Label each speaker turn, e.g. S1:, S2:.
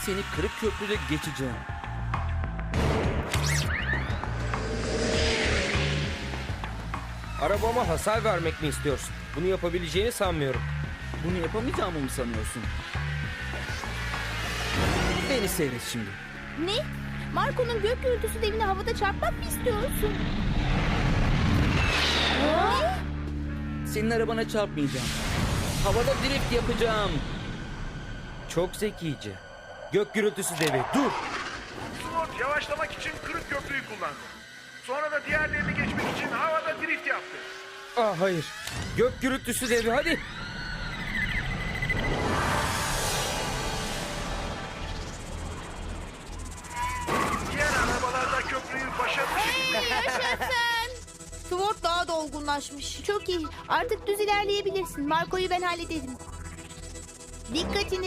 S1: seni kırık köprüde geçeceğim.
S2: Arabama hasar vermek mi istiyorsun? Bunu yapabileceğini sanmıyorum.
S1: Bunu yapamayacağımı mı sanıyorsun? Beni seyret şimdi.
S3: Ne? Marco'nun gök gürültüsü devini havada çarpmak mı istiyorsun? Ne?
S1: Senin arabana çarpmayacağım. Havada drift yapacağım.
S2: Çok zekice. Gök gürültüsü devi, dur!
S4: Sword yavaşlamak için kırık köprüyü kullandı. Sonra da diğerlerini geçmek için havada drift yaptı.
S2: Ah hayır. Gök gürültüsü devi, hadi!
S4: Diğer arabalar da köprüyü başarılı şekilde...
S3: Yaşasın! Sword daha da olgunlaşmış. Çok iyi. Artık düz ilerleyebilirsin. Marco'yu ben hallederim. Dikkatini